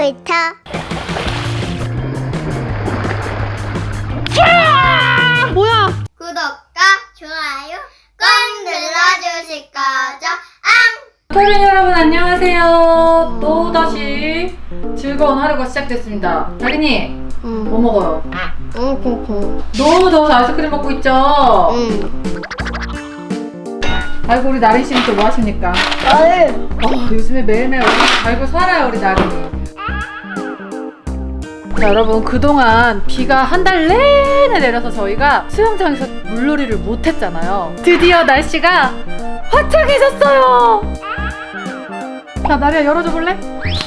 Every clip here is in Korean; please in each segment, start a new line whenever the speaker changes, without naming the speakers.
놀이터.
뭐야?
구독과 좋아요 꼭 눌러주실 거죠?
토린 여러분 안녕하세요. 또다시 즐거운 하루가 시작됐습니다. 다린이 뭐 먹어요? 너무 더워서 아이스크림 먹고 있죠? 아이고 우리 나린 씨는 또 뭐 하십니까? 요즘에 매일매일 얼굴 달고 살아요 우리 나린이. 자 여러분, 그동안 비가 한 달 내내 내려서 저희가 수영장에서 물놀이를 못했잖아요. 드디어 날씨가 화창해졌어요. 자 나리야 열어줘 볼래?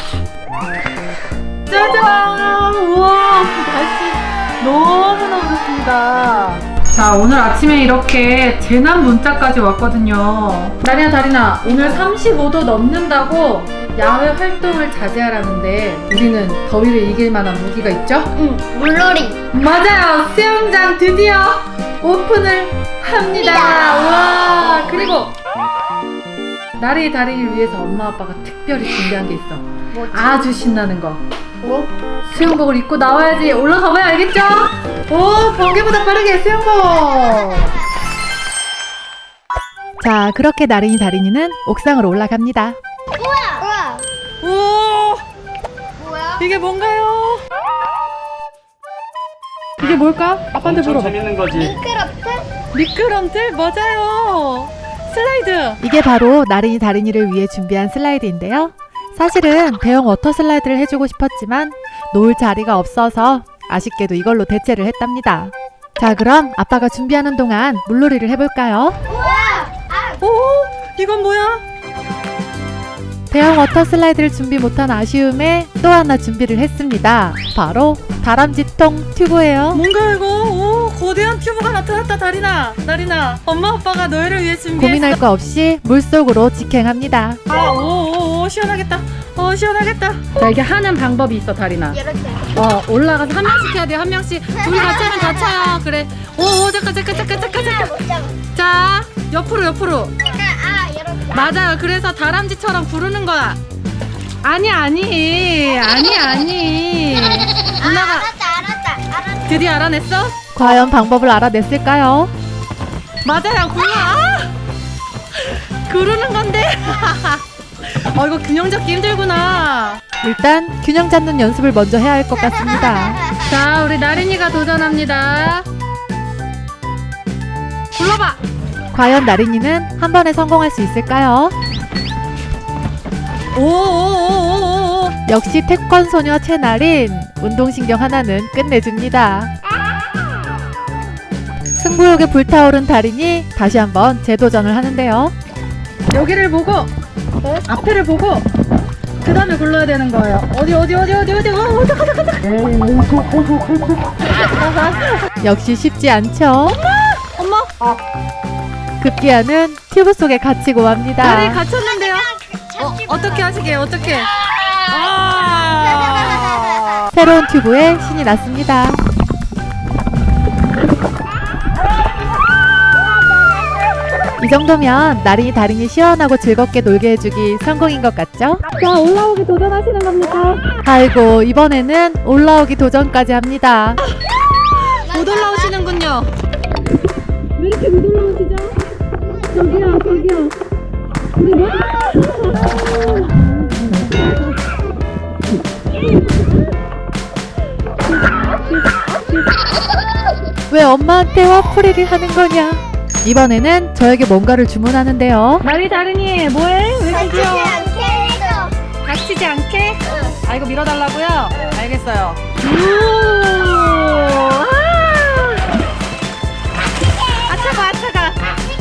짜잔! 우와 날씨 너무너무 좋습니다. 자 오늘 아침에 이렇게 재난 문자까지 왔거든요. 나리야 다리나 오늘 35도 넘는다고 야외 활동을 자제하라는데 우리는 더위를 이길 만한 무기가 있죠?
물놀이.
맞아요! 수영장 드디어 오픈을 합니다. 와 그리고 나리 다리를 위해서 엄마 아빠가 특별히 준비한 게 있어.
뭐지?
아주 신나는 거.
뭐?
수영복을 입고 나와야지. 올라가봐야 알겠죠? 오 번개보다 빠르게 수영복.
자, 그렇게 나린이 다린이는 옥상으로 올라갑니다.
우와.
오
뭐야?
이게 뭔가요? 이게 뭘까? 아빠한테 물어봐.
재밌는 거지.
미끄럽다?
미끄럼틀 맞아요. 슬라이드.
이게 바로 나린이 다린이를 위해 준비한 슬라이드인데요. 사실은 대형 워터 슬라이드를 해주고 싶었지만 놓을 자리가 없어서 아쉽게도 이걸로 대체를 했답니다. 자, 그럼 아빠가 준비하는 동안 물놀이를 해볼까요?
오 이건 뭐야?
대형 워터 슬라이드를 준비 못한 아쉬움에 또 하나 준비를 했습니다. 바로 다람쥐통 튜브예요.
뭔가 이거? 오 거대한 튜브가 나타났다. 나리나 엄마 아빠가 너희를 위해 준비했어.
고민할 거 없이 물속으로 직행합니다.
오 시원하겠다. 시원하겠다. 자 이게 하는 방법이 있어 다리나.
이렇게.
올라가서 한 명씩 해야 돼. 한 명씩. 둘이 같이 하면 다쳐요. 그래. 오 잠깐.
못 잡아.
자 옆으로.
이렇게.
맞아요. 그래서 다람쥐처럼 부르는 거야. 아니. 누나가
알았다.
드디어 알아냈어?
과연 방법을 알아냈을까요?
맞아요. 구르는 건데. 이거 균형 잡기 힘들구나.
일단 균형 잡는 연습을 먼저 해야 할 것 같습니다.
자 우리 나린이가 도전합니다. 불러봐.
과연 나린이는 한 번에 성공할 수 있을까요?
오.
역시 태권 소녀 채나린 운동신경 하나는 끝내줍니다. 승부욕에 불타오른 다린이 다시 한번 재도전을 하는데요.
여기를 보고 앞에를 보고 그 다음에 굴러야 되는 거예요. 어디 잠깐.
역시 쉽지 않죠?
엄마
급기야는 튜브 속에 갇히고 맙니다.
다리 갇혔는데요. 어떻게 하시게요? 어떻게?
새로운 튜브에 신이 났습니다. 이 정도면 나린이 다린이 시원하고 즐겁게 놀게 해주기 성공인 것 같죠?
자 올라오기 도전하시는 겁니까?
아이고 이번에는 올라오기 도전까지 합니다.
못 올라오시는군요. 왜 이렇게 못 올라오시죠? 저기요.
왜 엄마한테 화풀이를 하는 거냐? 이번에는 저에게 뭔가를 주문하는데요.
나리 다린이 뭐해? 왜 이렇게 귀여워?
해줘.
다치지 않게?
응.
이거 밀어달라고요? 알겠어요. 차가.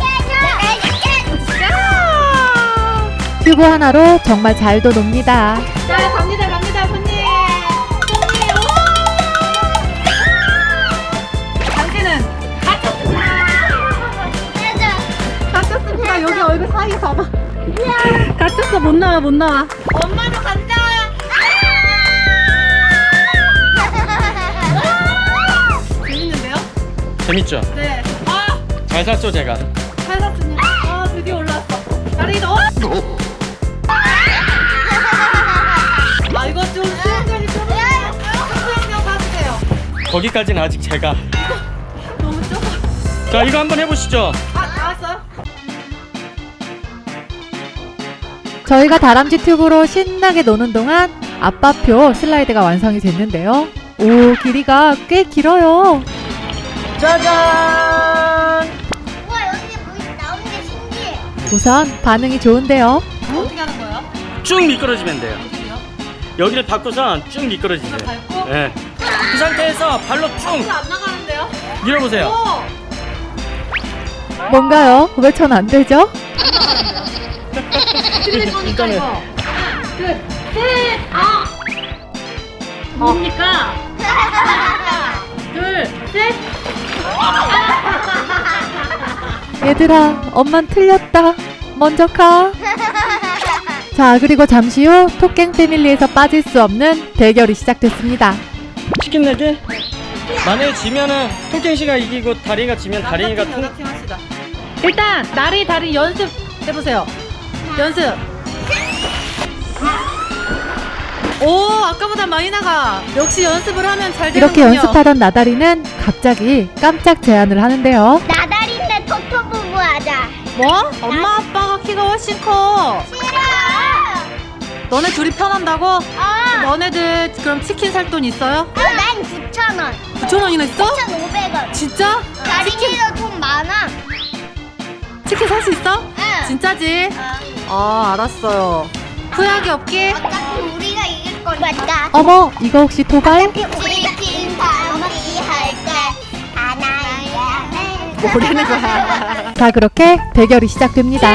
튜브 하나로 정말 잘도 놉니다.
자 갑니다 손님. 당신은 갇혔습니다. 여기 얼굴 사이 봐봐. 갇혔어. 못 나와.
엄마도 간다.
재밌는데요?
재밌죠?
네.
잘 샀죠 제가.
잘 샀습니다. 드디어 올라왔어. 다리 너. 이거 좀 수영장
거기까지는 아직 제가.
너무 좁아.
자, 이거 한번 해보시죠.
나왔어요?
저희가 다람쥐 튜브로 신나게 노는 동안 아빠표 슬라이드가 완성이 됐는데요. 오, 길이가 꽤 길어요.
짜잔!
우와 여기 물 나오는 게 신기해.
우선 반응이 좋은데요.
어떻게 하는 거예요?
쭉 미끄러지면 돼요.
어떻게요?
여기를 밟고선 쭉 미끄러지세요.
이거 밟고?
네. 그 상태에서 발로 쭉
안 나가는데요?
밀어보세요.
오!
뭔가요? 왜 전 안 되죠?
어떻게 거니까
일단은.
이거. 하나, 둘, 셋! 아! 뭡니까? 하나, 둘, 셋!
얘들아, 엄만 틀렸다. 먼저 가. 자, 그리고 잠시 후 토깽 패밀리에서 빠질 수 없는 대결이 시작됐습니다.
치킨 내기? 만약에 지면은 통갱 씨가 이기고 다린이가 지면 다린이가 통.
여자팀 합시다. 일단 나리 다리 연습 해보세요. 연습. 오, 아까보다 많이 나가. 역시 연습을 하면 잘 되는군요.
이렇게 연습하던 나다리는 갑자기 깜짝 제안을 하는데요.
나다린데 토토부부 하자.
뭐? 엄마 아빠가 키가 훨씬 커.
싫어.
너네 둘이 편한다고?
아,
너네들 그럼 치킨 살 돈 있어요?
난 9,000원.
9,000원이나 있어?
9,500원.
진짜?
다린이도 돈 많아.
치킨 살 수 있어?
응.
진짜지? 아, 알았어요. 후회하기 없기?
어차피 우리가 이길 거니까. 맞다.
어머, 이거 혹시 도발?
치킨 파티 할때 하나야.
뭐라는 거야?
자, 그렇게 대결이 시작됩니다.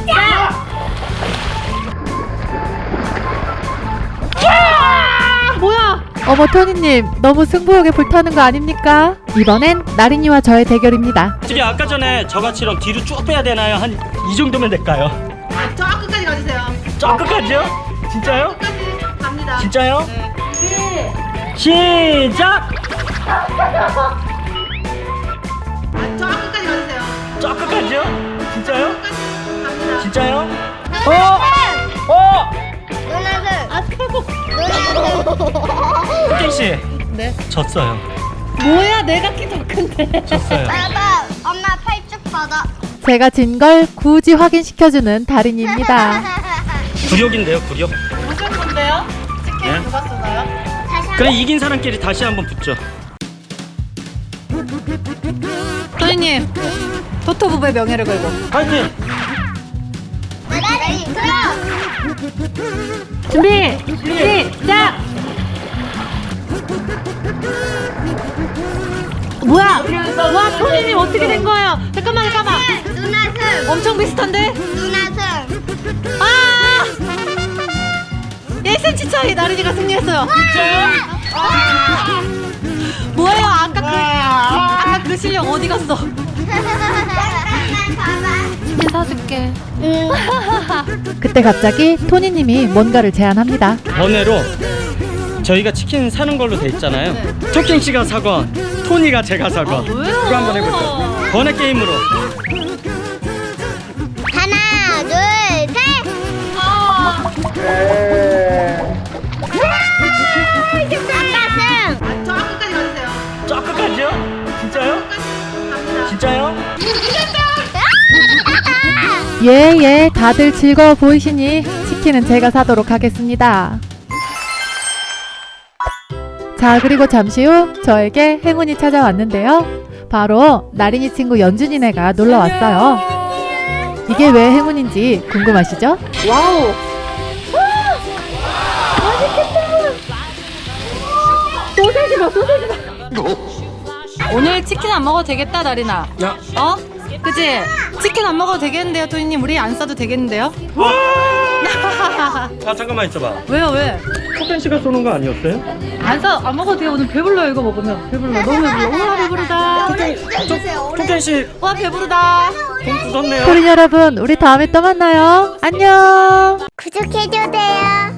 뭐야?
어머, 토니님, 너무 승부욕에 불타는 거 아닙니까? 이번엔 나린이와 저의 대결입니다.
어떻게 아까 전에 저같이럼 뒤로 쭉 빼야 되나요? 한 이 정도면 될까요?
저 끝까지 가주세요.
저 끝까지요? 진짜요?
끝까지 갑니다.
진짜요?
네.
시작!
저 끝까지 가주세요.
저 끝까지요? 진짜요?
갑니다.
진짜요?
누나들.
어!
누나들.
통갱 씨
네.
졌어요.
뭐야, 내가 키 더 큰데.
졌어요.
봐봐. 엄마 팔 쭉 뻗어.
제가 진 걸 굳이 확인시켜주는 다린이입니다.
굴욕인데요, 굴욕.
무슨 건데요? 치킨
네?
누가 쏘나요?
다시 한
그럼 이긴 사람끼리 다시 한번 붙죠.
토니님, 토토 부부의 명예를 걸고.
파이팅!
나다리 들어.
준비, 시작! 뭐야? 와, 토니님 어떻게 된 거예요? 잠깐만.
누나 승.
엄청 비슷한데?
누나 승.
아! 1cm 차이 나린이가 승리했어요. 뭐예요? 아까 그 실력 어디 갔어?
잠깐만 봐봐.
치킨 사줄게.
그때 갑자기 토니님이 뭔가를 제안합니다.
번외로 저희가 치킨 사는 걸로 돼 있잖아요. 토킹 씨가 사건, 토니가 제가 사건.
왜요?
그거 한번 해볼까요? 번외 게임으로.
하나, 둘, 셋. 아빠 승.
저 끝까지 가주세요.
저 끝까지요? 진짜요?
갑니다.
진짜요?
예, 다들 즐거워 보이시니 치킨은 제가 사도록 하겠습니다. 자, 그리고 잠시 후 저에게 행운이 찾아왔는데요. 바로 나린이 친구 연준이네가 놀러 왔어요. 이게 왜 행운인지 궁금하시죠?
와우. 소세지 봐. 오늘 치킨 안 먹어도 되겠다, 나린아.
야.
어? 그치? 치킨 안 먹어도 되겠는데요, 토니님? 우리 안 싸도 되겠는데요?
아 잠깐만 있어봐.
왜요, 왜?
토킹 씨가 쏘는 거 아니었어요?
안 먹어도 돼요. 오늘 배불러요, 이거 먹으면. 배불러. 너무 배불러. 우와, 배부르다.
토킹 씨
와, 배부르다.
돈 굳었네요.
토린 여러분, 우리 다음에 또 만나요. 안녕!
구독해줘세요.